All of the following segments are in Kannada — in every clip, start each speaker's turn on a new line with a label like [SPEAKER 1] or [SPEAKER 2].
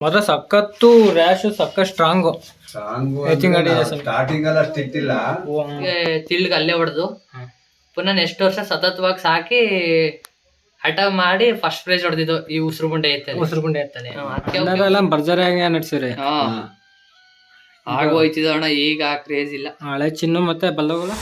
[SPEAKER 1] ಮಾತ್ರ ಸಖತ್ತು ರ್ಯಾಶ್ ಸಖತ್ ಸ್ಟ್ರಾಂಗು
[SPEAKER 2] ಸ್ಟಾರ್ಟಿಂಗ್ ಎಲ್ಲ ಸ್ಟಿಕ್ ಇಲ್ಲ,
[SPEAKER 3] ತಿಳ್ಗ ಅಲ್ಲೇ ಹೊಡೆದು ಪುನಃ ನೆಕ್ಸ್ಟ್ ವರ್ಷ ಸತತವಾಗಿ ಸಾಕಿ ಹಠ ಮಾಡಿ ಫಸ್ಟ್ ಪ್ರೈಸ್ ಹೊಡೆದಿದ್ದು ಈ ಉಸಿರು ಗುಂಡೆ ಎತ್ತಾನೆ
[SPEAKER 1] ಎಲ್ಲ ಭರ್ಜರಿಯಾಗಿ ನಡೆಸಿರಿ.
[SPEAKER 3] ಆಗೋಯ್ತಿದಣ್ಣ, ಈಗ ಕ್ರೇಜ್ ಇಲ್ಲ.
[SPEAKER 1] ಹಳೆ ಚಿನ್ನು ಮತ್ತೆ ಬಲ್ಲಗಳು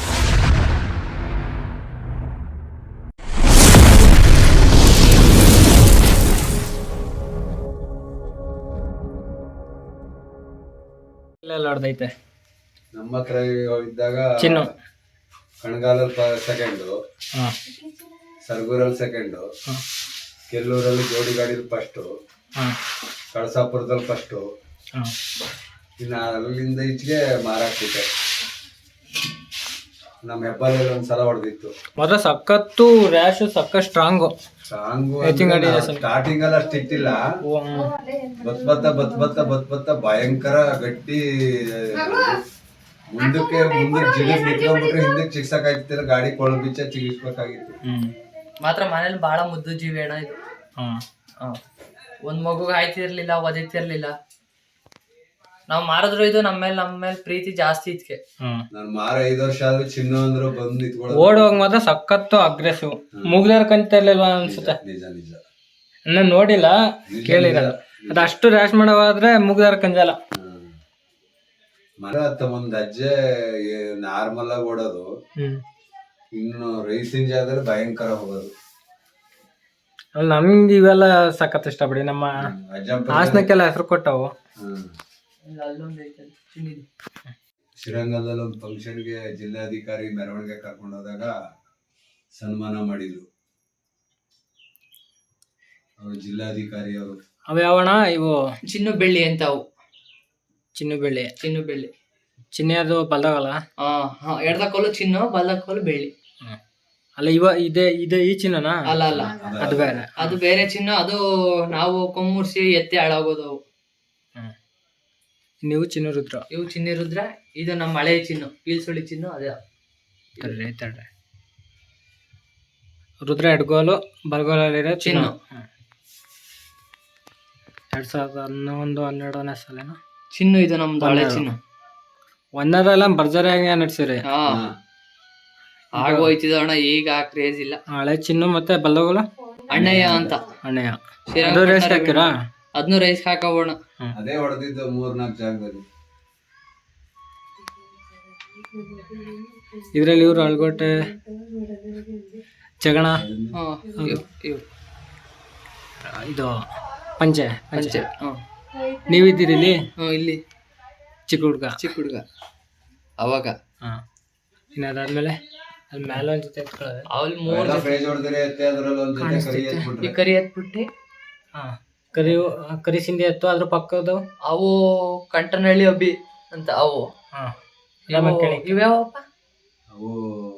[SPEAKER 1] ಹೊಡೆದೈತೆ.
[SPEAKER 2] ನಮ್ಮ ಹತ್ರ ಇದ್ದಾಗ
[SPEAKER 1] ಚಿನ್ನು
[SPEAKER 2] ಕಣಗಾಲಲ್ಲಿ ಸೆಕೆಂಡು, ಸರ್ಗೂರಲ್ಲಿ ಸೆಕೆಂಡು, ಕೆಲ್ಲೂರಲ್ಲಿ ಜೋಡಿ ಗಾಡಿಲಿ ಫಸ್ಟು, ಕಳಸಾಪುರದಲ್ಲಿ ಫಸ್ಟು, ಇನ್ನು ಅಲ್ಲಿಂದ ಈಚೆಗೆ ಮಾರಾಕ್ಬಿಟ್ಟೆ. ನಮ್ಮ ಹೆಬ್ಬಾಲಲ್ಲಿ ಒಂದ್ಸಲ ಹೊಡೆದಿತ್ತು.
[SPEAKER 1] ಮಾತ್ರ ಸಖತ್ತು ರ್ಯಾಶ್ ಸಖತ್ ಸ್ಟ್ರಾಂಗು.
[SPEAKER 2] ಸ್ಟಾರ್ಟಿಂಗ್ ಎಲ್ಲ ಸ್ಟಿಕ್ ಇಲ್ಲ, ಬತ್ ಭಯಂಕರ ಗಟ್ಟಿ. ಮುಂದಕ್ಕೆ ಜಿಗಿಸ್ ನಿಂತ್ಕೊಂಡ್ಬಿಟ್ರೆ ಹಿಂದಕ್ಕೆ ಚಿಕ್ಸಕ್ಕಾಗ್ತಿಲ್ಲ, ಗಾಡಿ ಕೊಳು ಬಿಚ್ಚ ಚಿಗಿಸ್ಬೇಕಾಗಿತ್ತು.
[SPEAKER 3] ಮಾತ್ರ ಮನೇಲಿ ಬಹಳ ಮುದ್ದು ಜೀವಿ ಅಣ್ಣ ಇದು. ಒಂದ್ ಮಗುಗೆ ಆಯ್ತಿರ್ಲಿಲ್ಲ, ಒದಿತಿರ್ಲಿಲ್ಲ. ನಾವ್ ಮಾರಿದ್ರು ಇದು ನಮ್ಮ ಮೇಲೆ ಪ್ರೀತಿ ಜಾಸ್ತಿ ಇದ್ಕೆ.
[SPEAKER 2] ನಾನು ಮಾರ 5 ವರ್ಷ ಆದ್ರೂ ಚಿನ್ನು ಅಂದ್ರು ಬಂದು ನಿಂತ್ಕೊಳ್ಳೋದು.
[SPEAKER 1] ಓಡುವಾಗ ಮಾತ್ರ ಸಖತ್ತು ಅಗ್ರೆಸಿವ್. ಮುಗ್ದಾರ ಕಂತ ಇರ್ಲಿಲ್ವಾ ಅನ್ಸುತ್ತೆ.
[SPEAKER 2] ನಿಜ ನಿಜ
[SPEAKER 1] ನಾನು ನೋಡಿಲ್ಲ, ಕೇಳಿರಲ್ಲ. ಅದಷ್ಟು ರ್ಯಾಶ್ ಮಾಡೋವಾದ್ರೆ ಮುಗ್ದಾರ ಕಂಜಲ್ಲ.
[SPEAKER 2] ಮರ ಒಂದ್ ಅಜ್ಜೆ ನಾರ್ಮಲ್ ಆಗಿ ಓಡೋದು, ಇನ್ನು ರೈಸಿನ ಜಾಗದಲ್ಲಿ ಭಯಂಕರ ಹೋಗೋದು.
[SPEAKER 1] ನಮ್ಗೆ ಇವೆಲ್ಲ ಸಖತ್ ಇಷ್ಟ ಬಿಡಿ. ನಮ್ಮ ಹಾಸನಕ್ಕೆಲ್ಲ ಹೆಸರು ಕೊಟ್ಟವು.
[SPEAKER 2] ಶ್ರೀರಂಗದಲ್ಲಿ ಒಂದು ಫಂಕ್ಷನ್ಗೆ ಜಿಲ್ಲಾಧಿಕಾರಿ ಮೆರವಣಿಗೆ ಕರ್ಕೊಂಡು ಹೋದಾಗ ಸನ್ಮಾನ ಮಾಡಿದ್ರು ಅವರು, ಜಿಲ್ಲಾಧಿಕಾರಿ ಅವರು.
[SPEAKER 1] ಅವು ಯಾವಣ ಇವು
[SPEAKER 3] ಚಿನ್ನು ಬೆಳ್ಳಿ ಅಂತ. ಅವು
[SPEAKER 1] ಚಿನ್ನು ಬೆಳ್ಳಿ ಚಿನ್ನದು ಬಲ್ದಾಗಲ್ಲ.
[SPEAKER 3] ಎಡದ ಕೋಲು ಚಿನ್ನು, ಬಲ್ದ ಕೋಲು ಬೆಳ್ಳಿ.
[SPEAKER 1] ಅಲ್ಲ ಇದೆ ಈ ಚಿನ್ನನಾ?
[SPEAKER 3] ಅಲ್ಲ,
[SPEAKER 1] ಅದು ಬೇರೆ.
[SPEAKER 3] ಅದು ಬೇರೆ ಚಿನ್ನು. ಅದು ನಾವು ಕೊಮ್ಮೂರ್ಸಿ ಎತ್ತಿ ಹಾಳಾಗೋದು ಅವು.
[SPEAKER 1] ನೀವು ಚಿನ್ನು ರುದ್ರ.
[SPEAKER 3] ಇವು ಚಿನ್ನ ರುದ್ರ. ಇದು ನಮ್ಮ ಹಳೆ ಚಿನ್ನು, ಪೀಲ್ಸುಳಿ ಚಿನ್ನು. ಅದೇ
[SPEAKER 1] ತಡ್ರಿ ರುದ್ರ ಎಡ್ಗೋಲು, ಬಲ್ಗೋಲಲ್ಲಿರೋ ಚಿನ್ನು. 2011-12ನೇ ಸಾಲೇನ
[SPEAKER 3] ಚಿನ್ನು ಇದು ನಮ್ದು ಹಳೆ ಚಿನ್ನು.
[SPEAKER 1] ಒಂದರೆಲ್ಲ ಭರ್ಜರಿಯಾಗಿ ನಡೆಸಿರಿ.
[SPEAKER 3] ಆಗೋಯ್ತಿದಣ್ಣ, ಈಗ ಕ್ರೇಜ್ ಇಲ್ಲ.
[SPEAKER 1] ಹಳೆ ಚಿನ್ನು ಮತ್ತೆ ಬಲ್ಲಗೋಲು
[SPEAKER 3] ಅಣ್ಣಯ್ಯ ಅಂತ.
[SPEAKER 1] ರೇಸ್ ಹಾಕಿರಾ?
[SPEAKER 3] ಅದನ್ನು ರೈಸ್ ಹಾಕೋಣ.
[SPEAKER 2] ಅದೇ ಹೊಡೆದಿದ್ದು 3-4 ಜಾಗದಲ್ಲಿ.
[SPEAKER 1] ಇದ್ರಲ್ಲಿ ಇವ್ರು ಅಳ್ಗೋಟೆ, ಜಗಣ, ಇದು ಪಂಚೆ. ನೀವಿದ್ದೀರಿ
[SPEAKER 3] ಇಲ್ಲಿ
[SPEAKER 1] ಚಿಕ್ಕ ಹುಡ್ಗ
[SPEAKER 3] ಅವಾಗ.
[SPEAKER 1] ಇನ್ನು ಅದಾದ್ಮೇಲೆ ಅಲ್ಲಿ ಮೇಲೆ ಒಂದ್ ಜೊತೆ ಎತ್ಕೊಳ್ಳೋದು.
[SPEAKER 3] ಅಲ್ಲಿ 3
[SPEAKER 2] ಫ್ರೇಜ್ ಹೊಡೆದ್ರೆ ಎತ್ತೆ, ಅದ್ರಲ್ಲಿ ಒಂದ್ ಜೊತೆ
[SPEAKER 3] ಕರಿ ಎತ್ಬಿಟ್ಟು
[SPEAKER 1] ಕರಿ ಸಿಂಧಿ ಎತ್ತು. ಅದ್ರ ಪಕ್ಕದ
[SPEAKER 3] ಅವು ಕಂಟನಹಳ್ಳಿ ಅಬ್ಬಿ ಅಂತ. ಅವು ಇವ್ಯಾವಪ್ಪ?
[SPEAKER 2] ಅವು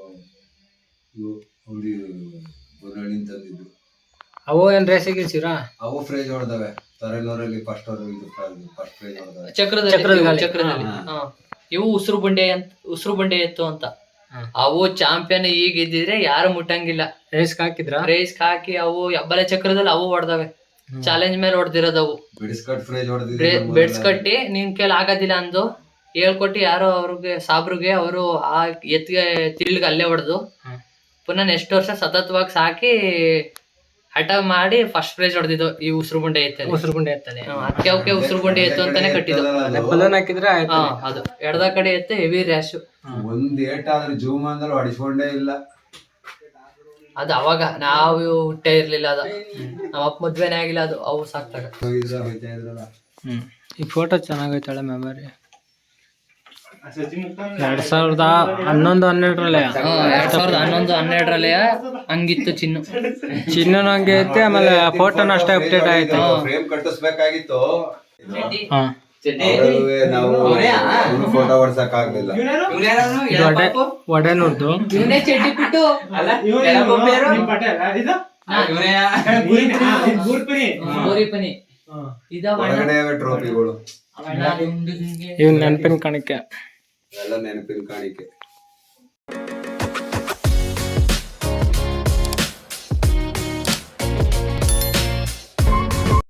[SPEAKER 2] ತಂದಿದ್ದು.
[SPEAKER 1] ಅವು ಏನ್ ರೇಸಿಗೆ ಇಳಿಸಿರಾ?
[SPEAKER 2] ಅವು ಫ್ರೇಜ್ ಹೊಡೆದವೆ. ತಲೆನೂರಲ್ಲಿ ಫಸ್ಟ್ ಫ್ರೇಜ್ ಹೊಡೆದವೆ.
[SPEAKER 3] ಚಕ್ರದಲ್ಲಿ. ಇವು ಉಸಿರು ಬಂಡೆ ಎತ್ತು ಅಂತ. ಅವು ಚಾಂಪಿಯನ್ ಈಗ ಇದ್ದಿದ್ರೆ ಯಾರು ಮುಟ್ಟಂಗಿಲ್ಲ.
[SPEAKER 1] ರೇಸ್
[SPEAKER 3] ಹಾಕಿ ಅವು ಬಲೆ ಚಕ್ರದಲ್ಲಿ ಅವು ಹೊಡೆದವೆ. ಚಾಲೆಂಜ್ ಮೇಲೆ ಹೊಡೆದಿರೋದವು. ಬೆಡ್ಸ್ಕಟ್ಟಿ ನಿನ್ ಕೈಲಿ ಆಗೋದಿಲ್ಲ ಅಂದು ಹೇಳ್ಕೊಟ್ಟು ಯಾರೋ ಅವ್ರಿಗೆ ಸಾಬ್ರಿಗೆ ಅವರು ಆ ಎತ್ತಿಗೆ ತಿಳ್ಗ ಅಲ್ಲೇ ಹೊಡೆದು ಪುನಃ ನೆಕ್ಸ್ಟ್ ವರ್ಷ ಸತತವಾಗಿ ಸಾಕಿ ಹಠ ಮಾಡಿ ಫಸ್ಟ್ ಪ್ರೈಸ್ ಹೊಡೆದಿದ್ದು ಈ ಉಸಿರು ಗುಂಡೆ ಎತ್ತಾನೆ. ಅದಕ್ಕೆ ಉಸಿರು ಗುಂಡೆ ಎತ್ತು ಅಂತಾನೆ ಕಟ್ಟಿದ್ದು. ಅದು ಎಡದ ಕಡೆ ಎತ್ತೆ ಹೆವಿ ರ್ಯಾಶ್.
[SPEAKER 2] ಒಂದ್ ಏಟಾದ್ರೆ ಜೂಮಾನದಲ್ಲಿ ಹೊಡಿಸ್ಕೊಂಡೇ ಇಲ್ಲ.
[SPEAKER 3] ಅದು ಅವಾಗ ನಾವು ಹುಟ್ಟೇ ಇರ್ಲಿಲ್ಲ. ಅದು ನಮ್ಮ ಅಪ್ಪ ಮದ್ವೆನೇ ಆಗಿಲ್ಲ. ಅದು ಅವು ಸಾಕ್ತಾಗ.
[SPEAKER 1] ಈ ಫೋಟೋ ಚೆನ್ನಾಗೈತಾಳೆ ಮೆಮೊರಿ. 2011-12
[SPEAKER 3] 2011-12 ಹಂಗಿತ್ತು
[SPEAKER 1] ಚಿನ್ನನು ಹಂಗೆ ಐತೆ. ಆಮೇಲೆ ಫೋಟೋನ ಅಷ್ಟೇ ಅಪ್ಡೇಟ್ ಆಯ್ತು.
[SPEAKER 2] ಫ್ರೇಮ್ ಕಟ್ಟಿಸ್ಬೇಕಾಗಿತ್ತು. ಫೋಟೋ ಹೊಡ್ಸಕ್ ಆಗ್ಲಿಲ್ಲ.
[SPEAKER 1] ಒಡೆನೂರ್ದು
[SPEAKER 2] ಟ್ರೋಫಿಗಳು
[SPEAKER 1] ಇವ್ ನೆನಪಿನ ಕಾಣಿಕೆ.
[SPEAKER 2] ಎಲ್ಲ ನೆನಪಿನ ಕಾಣಿಕೆ.